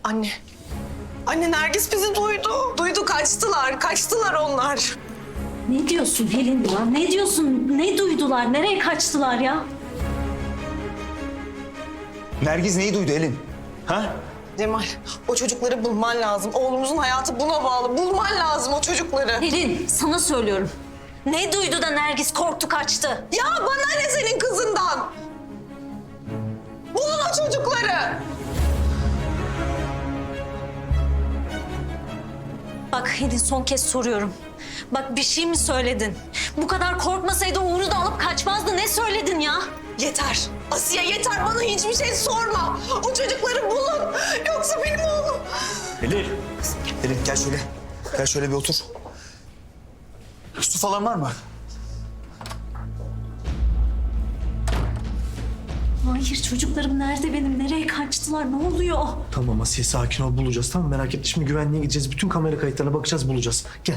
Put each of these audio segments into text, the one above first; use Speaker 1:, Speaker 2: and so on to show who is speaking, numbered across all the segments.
Speaker 1: Anne. Anne Nergis bizi duydu. Duydu kaçtılar onlar.
Speaker 2: Ne diyorsun Pelin ya? Ne diyorsun? Ne duydular? Nereye kaçtılar ya?
Speaker 3: Nergiz neyi duydu Elin? Ha?
Speaker 1: Cemal o çocukları bulman lazım. Oğlumuzun hayatı buna bağlı. Bulman lazım o çocukları.
Speaker 2: Pelin sana söylüyorum. Ne duydu da Nergis korktu kaçtı?
Speaker 1: Ya bana ne senin kızından? Bulun o çocukları.
Speaker 2: Bak Pelin son kez soruyorum. Bak bir şey mi söyledin? Bu kadar korkmasaydı Uğur'u da alıp kaçmazdı. Ne söyledin ya?
Speaker 1: Yeter. Asiye yeter. Bana hiçbir şey sorma. O çocukları bulun. Yoksa benim oğlum.
Speaker 3: Elin. Elin gel şöyle. Gel şöyle bir otur. Su falan var mı?
Speaker 2: Hayır çocuklarım nerede benim? Nereye kaçtılar? Ne oluyor?
Speaker 4: Tamam Asiye sakin ol bulacağız tamam merak etme. Şimdi güvenliğe gideceğiz. Bütün kamera kayıtlarına bakacağız bulacağız. Gel.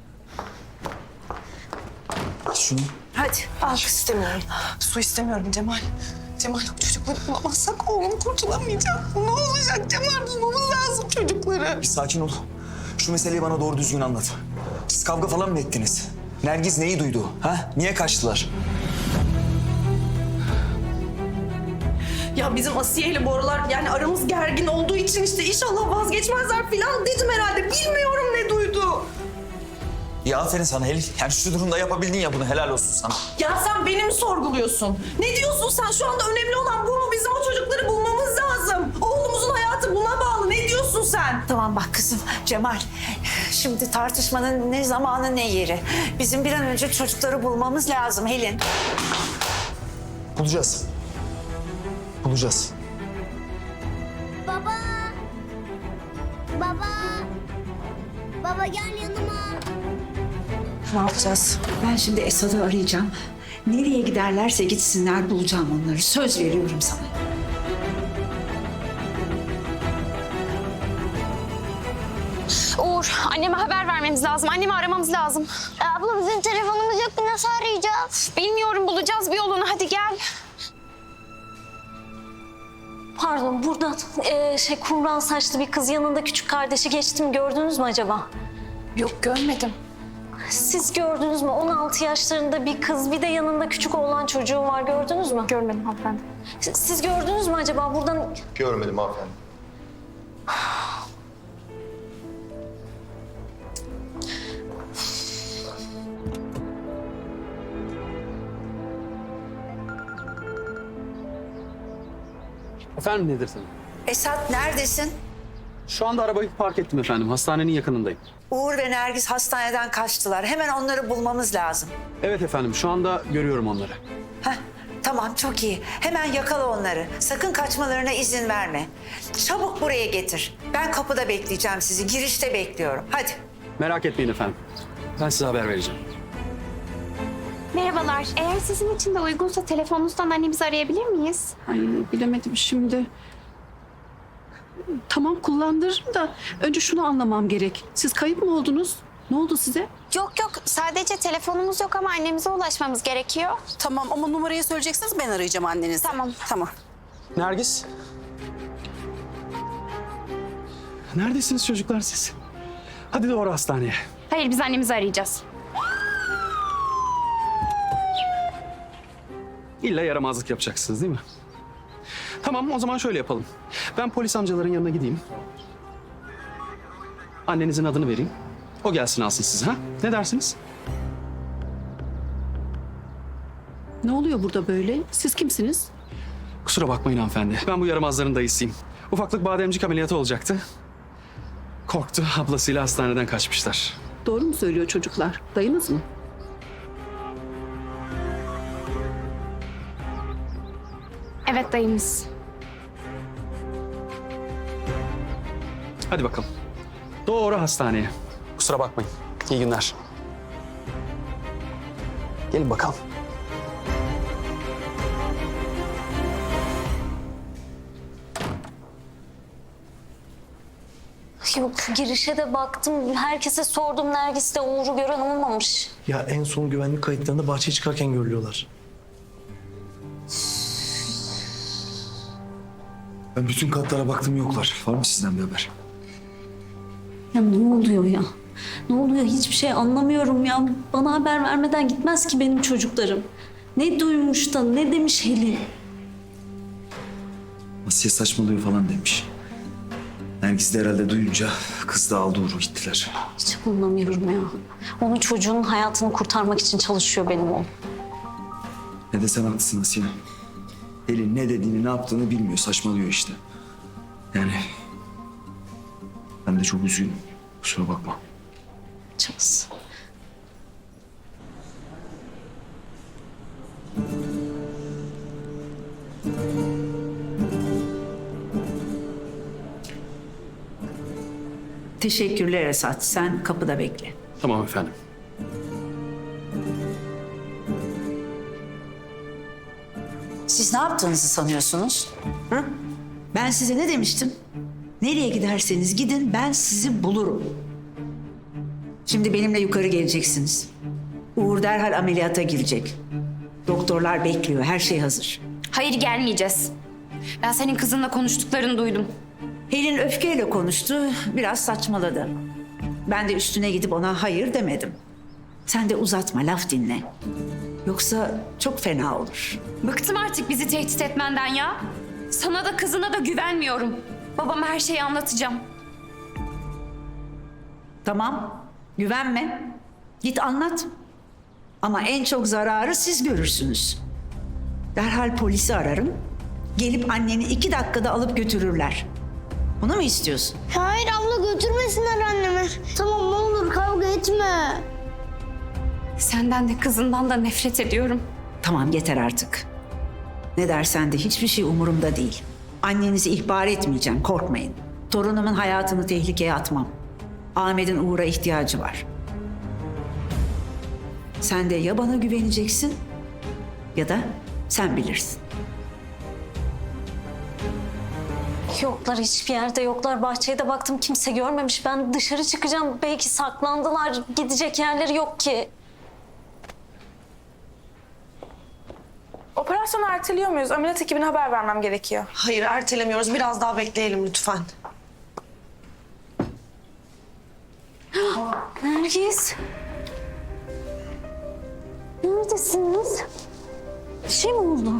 Speaker 3: Şunu.
Speaker 1: Hadi. Al istemiyorum. Su istemiyorum Cemal. Cemal o çocukları bulamazsak oğlum kurtulamayacak. Ne olacak Cemal? Bulmamız lazım çocukları.
Speaker 3: Bir sakin ol. Şu meseleyi bana doğru düzgün anlat. Siz kavga falan mı ettiniz? Nergiz neyi duydu? Ha? Niye kaçtılar?
Speaker 1: Ya bizim Asiye ile bu aralar yani aramız gergin olduğu için işte inşallah vazgeçmezler falan dedim herhalde. Bilmiyorum ne duydu.
Speaker 3: Ya aferin sana Elin. Yani şu durumda yapabildin ya bunu helal olsun sana.
Speaker 1: Ya sen beni mi sorguluyorsun? Ne diyorsun sen? Şu anda önemli olan bu mu? Bizim o çocukları bulmamız lazım. Oğlumuzun hayatı buna bağlı. Ne diyorsun sen?
Speaker 5: Tamam bak kızım Cemal. Şimdi tartışmanın ne zamanı ne yeri. Bizim bir an önce çocukları bulmamız lazım Helin.
Speaker 3: Bulacağız. Bulacağız.
Speaker 6: Baba. Baba. Baba gel yanıma.
Speaker 5: Ne yapacağız? Ben şimdi Esad'ı arayacağım. Nereye giderlerse gitsinler bulacağım onları. Söz veriyorum sana.
Speaker 7: Uğur, anneme haber vermemiz lazım. Annemi aramamız lazım.
Speaker 6: Abla bizim telefonumuz yok ki nasıl arayacağız?
Speaker 7: Bilmiyorum, bulacağız bir yolunu. Hadi gel.
Speaker 2: Pardon buradan kumral saçlı bir kız yanında küçük kardeşi geçti mi gördünüz mü acaba?
Speaker 7: Yok, görmedim.
Speaker 2: Siz gördünüz mü? 16 yaşlarında bir kız bir de yanında küçük oğlan çocuğu var gördünüz mü?
Speaker 7: Görmedim hanımefendi.
Speaker 2: Siz gördünüz mü acaba buradan?
Speaker 8: Görmedim hanımefendi.
Speaker 9: Efendim nedir senin?
Speaker 5: Esad neredesin?
Speaker 9: Şu anda arabayı park ettim efendim. Hastanenin yakınındayım.
Speaker 5: Uğur ve Nergis hastaneden kaçtılar. Hemen onları bulmamız lazım.
Speaker 9: Evet efendim şu anda görüyorum onları.
Speaker 5: Heh, tamam çok iyi. Hemen yakala onları. Sakın kaçmalarına izin verme. Çabuk buraya getir. Ben kapıda bekleyeceğim sizi. Girişte bekliyorum. Hadi.
Speaker 9: Merak etmeyin efendim. Ben size haber vereceğim.
Speaker 7: Merhabalar. Eğer sizin için de uygunsa telefonunuzdan annemizi arayabilir miyiz?
Speaker 10: Ay bilemedim şimdi. Tamam kullandırırım da önce şunu anlamam gerek. Siz kayıp mı oldunuz? Ne oldu size?
Speaker 7: Yok yok. Sadece telefonumuz yok ama annemize ulaşmamız gerekiyor.
Speaker 10: Tamam ama numarayı söyleyeceksiniz ben arayacağım annenizi.
Speaker 7: Tamam.
Speaker 10: Tamam.
Speaker 9: Nergis. Neredesiniz çocuklar siz? Hadi doğru hastaneye.
Speaker 7: Hayır, biz annemizi arayacağız.
Speaker 9: İlla yaramazlık yapacaksınız değil mi? Tamam o zaman şöyle yapalım. Ben polis amcaların yanına gideyim. Annenizin adını vereyim. O gelsin alsın sizi ha? Ne dersiniz?
Speaker 10: Ne oluyor burada böyle? Siz kimsiniz?
Speaker 9: Kusura bakmayın hanımefendi. Ben bu yaramazların dayısıyım. Ufaklık bademcik ameliyatı olacaktı. Korktu. Ablasıyla hastaneden kaçmışlar.
Speaker 10: Doğru mu söylüyor çocuklar? Dayınız mı?
Speaker 7: Evet, dayımız.
Speaker 9: Hadi bakalım. Doğru hastaneye. Kusura bakmayın. İyi günler. Gelin bakalım.
Speaker 2: Yok girişe de baktım. Herkese sordum. Nergis'te Uğur'u gören olmamış.
Speaker 4: Ya en son güvenlik kayıtlarında bahçeye çıkarken görülüyorlar.
Speaker 3: Ben bütün katlara baktım, yoklar. Var mı sizden bir haber?
Speaker 2: Ya ne oluyor ya? Ne oluyor? Hiçbir şey anlamıyorum ya. Bana haber vermeden gitmez ki benim çocuklarım. Ne duymuş da ne demiş Helin?
Speaker 3: Asiye saçmalıyor falan demiş. Nergis de herhalde duyunca kız da aldı Uğur'u gittiler.
Speaker 2: Hiç anlamıyorum ya. Onun çocuğunun hayatını kurtarmak için çalışıyor benim oğlum.
Speaker 3: Ne desen haklısın Asiye. Elin ne dediğini, ne yaptığını bilmiyor. Saçmalıyor işte. Yani ben de çok üzgünüm. Kusura bakma.
Speaker 2: Çabası.
Speaker 5: Teşekkürler Esat. Sen kapıda bekle.
Speaker 9: Tamam efendim.
Speaker 5: Siz ne yaptığınızı sanıyorsunuz? Hı? Ben size ne demiştim? Nereye giderseniz gidin, ben sizi bulurum. Şimdi benimle yukarı geleceksiniz. Uğur derhal ameliyata girecek. Doktorlar bekliyor, her şey hazır.
Speaker 7: Hayır, gelmeyeceğiz. Ben senin kızınla konuştuklarını duydum.
Speaker 5: Helin öfkeyle konuştu, biraz saçmaladı. Ben de üstüne gidip ona hayır demedim. Sen de uzatma, laf dinle. Yoksa çok fena olur.
Speaker 7: Bıktım artık bizi tehdit etmenden ya. Sana da kızına da güvenmiyorum. Babama her şeyi anlatacağım.
Speaker 5: Tamam, güvenme. Git anlat. Ama en çok zararı siz görürsünüz. Derhal polisi ararım. Gelip anneni 2 dakikada alıp götürürler. Bunu mu istiyorsun?
Speaker 6: Hayır abla, götürmesinler annemi. Tamam, ne olur kavga etme.
Speaker 7: Senden de kızından da nefret ediyorum.
Speaker 5: Tamam, yeter artık. Ne dersen de hiçbir şey umurumda değil. Annenizi ihbar etmeyeceğim, korkmayın. Torunumun hayatını tehlikeye atmam. Ahmet'in Uğur'a ihtiyacı var. Sen de ya bana güveneceksin ya da sen bilirsin.
Speaker 2: Yoklar, hiçbir yerde yoklar. Bahçeye de baktım, kimse görmemiş. Ben dışarı çıkacağım. Belki saklandılar. Gidecek yerleri yok ki.
Speaker 8: Operasyonu erteliyor muyuz? Ameliyat ekibine haber vermem gerekiyor.
Speaker 1: Hayır, ertelemiyoruz. Biraz daha bekleyelim lütfen.
Speaker 2: Nergis. Neredesiniz? Bir şey mi oldu?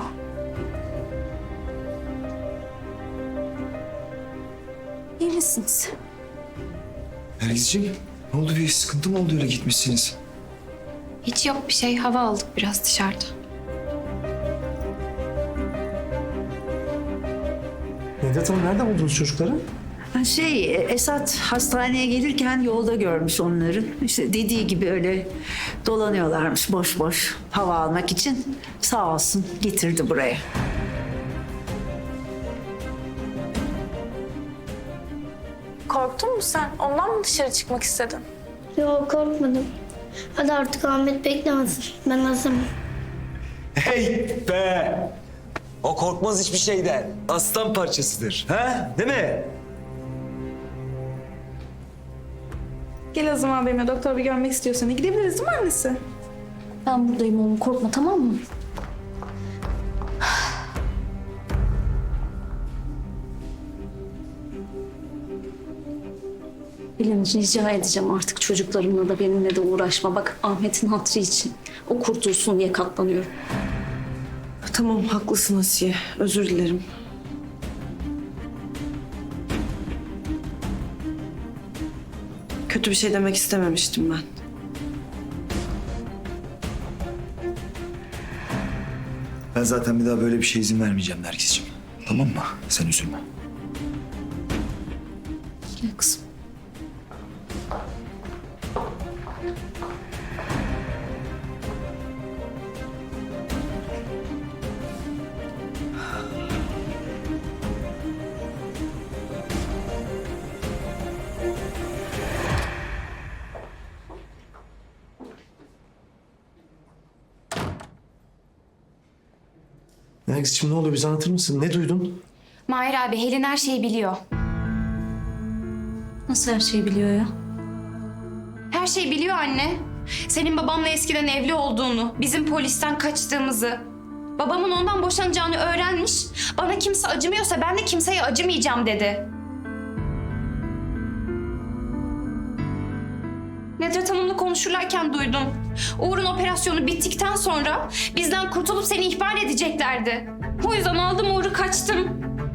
Speaker 2: İyi misiniz?
Speaker 3: Nergis'ciğim, ne oldu, bir sıkıntı mı oldu öyle gitmişsiniz?
Speaker 7: Hiç yok bir şey. Hava aldık biraz dışarıda.
Speaker 4: Nedet Hanım, nerede buldunuz çocukları?
Speaker 5: Esat hastaneye gelirken yolda görmüş onları. İşte dediği gibi öyle dolanıyorlarmış boş boş hava almak için. Sağ olsun getirdi buraya.
Speaker 8: Korktun mu sen? Ondan mı dışarı çıkmak istedin?
Speaker 6: Yok, korkmadım. Hadi artık Ahmet beklemesin. Ben hazırım.
Speaker 3: Hey be! O korkmaz hiçbir şeyden. Aslan parçasıdır. Ha? Değil mi?
Speaker 8: Gel o zaman benimle, doktor bir görmek istiyorsan. Gidebiliriz değil mi annesi?
Speaker 2: Ben buradayım oğlum, korkma, tamam mı? Bilin, rica edeceğim artık çocuklarımla da benimle de uğraşma. Bak, Ahmet'in hatırı için. O kurtulsun diye katlanıyorum.
Speaker 1: Tamam, haklısın Asiye. Özür dilerim. Kötü bir şey demek istememiştim ben.
Speaker 3: Ben zaten bir daha böyle bir şey izin vermeyeceğim Nergis'ciğim. Tamam mı? Sen üzülme.
Speaker 2: Gel kızım.
Speaker 4: Nergis'ciğim, ne oluyor, bize anlatır mısın? Ne duydun?
Speaker 7: Mahir abi, Helin her şeyi biliyor.
Speaker 2: Nasıl her şeyi biliyor ya?
Speaker 7: Her şeyi biliyor anne. Senin babamla eskiden evli olduğunu, bizim polisten kaçtığımızı. Babamın ondan boşanacağını öğrenmiş. Bana kimse acımıyorsa ben de kimseye acımayacağım dedi. Nedret Hanım'la konuşurlarken duydum. Uğur'un operasyonu bittikten sonra bizden kurtulup seni ihbar edeceklerdi. O yüzden aldım Uğur'u, kaçtım.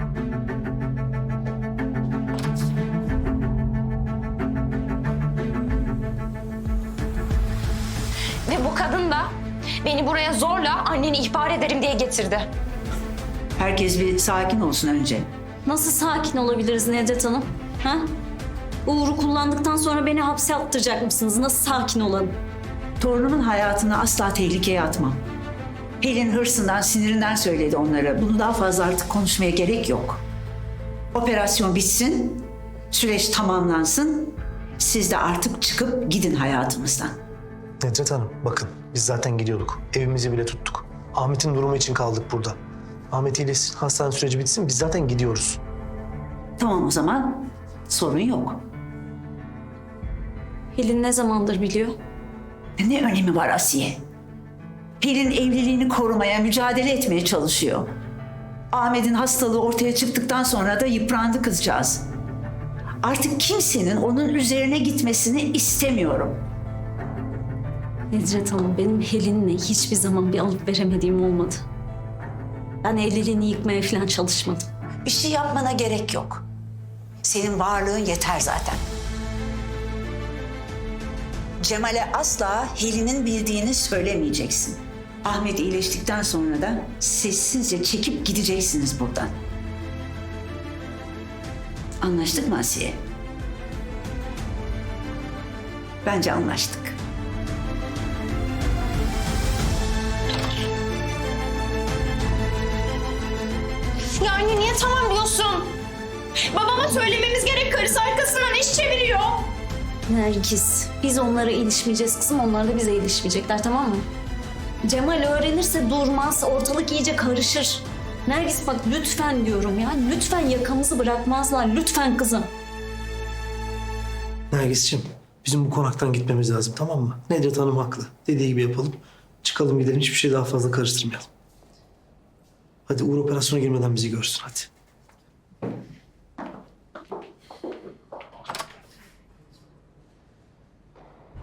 Speaker 7: Ve bu kadın da beni buraya zorla anneni ihbar ederim diye getirdi.
Speaker 5: Herkes bir sakin olsun önce.
Speaker 2: Nasıl sakin olabiliriz Nedret Hanım? Ha? Uğur'u kullandıktan sonra beni hapse attıracak mısınız? Nasıl sakin olalım?
Speaker 5: Torunumun hayatını asla tehlikeye atmam. Pelin hırsından, sinirinden söyledi onlara. Bunu daha fazla artık konuşmaya gerek yok. Operasyon bitsin, süreç tamamlansın. Siz de artık çıkıp gidin hayatımızdan.
Speaker 4: Nedret Hanım bakın biz zaten gidiyorduk. Evimizi bile tuttuk. Ahmet'in durumu için kaldık burada. Ahmet iyileşsin, hastane süreci bitsin. Biz zaten gidiyoruz.
Speaker 5: Tamam o zaman sorun yok.
Speaker 2: Pelin ne zamandır biliyor?
Speaker 5: Ne önemi var Asiye? Pelin evliliğini korumaya, mücadele etmeye çalışıyor. Ahmet'in hastalığı ortaya çıktıktan sonra da yıprandı kızcağız. Artık kimsenin onun üzerine gitmesini istemiyorum.
Speaker 2: Nedret Hanım, benim Pelin'le hiçbir zaman bir alıp veremediğim olmadı. Ben evliliğini yıkmaya falan çalışmadım.
Speaker 5: Bir şey yapmana gerek yok. Senin varlığın yeter zaten. Cemal'e asla Helin'in bildiğini söylemeyeceksin. Ahmet iyileştikten sonra da sessizce çekip gideceksiniz buradan. Anlaştık mı Asiye? Bence anlaştık.
Speaker 7: Ya anne niye tamam diyorsun? Babama söylememiz gerek, karısı arkasından iş çeviriyor.
Speaker 2: Nergis, biz onlara ilişmeyeceğiz kızım, onlar da bize ilişmeyecekler, tamam mı? Cemal öğrenirse durmaz, ortalık iyice karışır. Nergis bak lütfen diyorum ya, lütfen yakamızı bırakmazlar, lütfen kızım.
Speaker 4: Nergis'ciğim bizim bu konaktan gitmemiz lazım tamam mı? Nedret Hanım haklı. Dediği gibi yapalım. Çıkalım gidelim hiçbir şey daha fazla karıştırmayalım. Hadi Uğur operasyona girmeden bizi görsün hadi.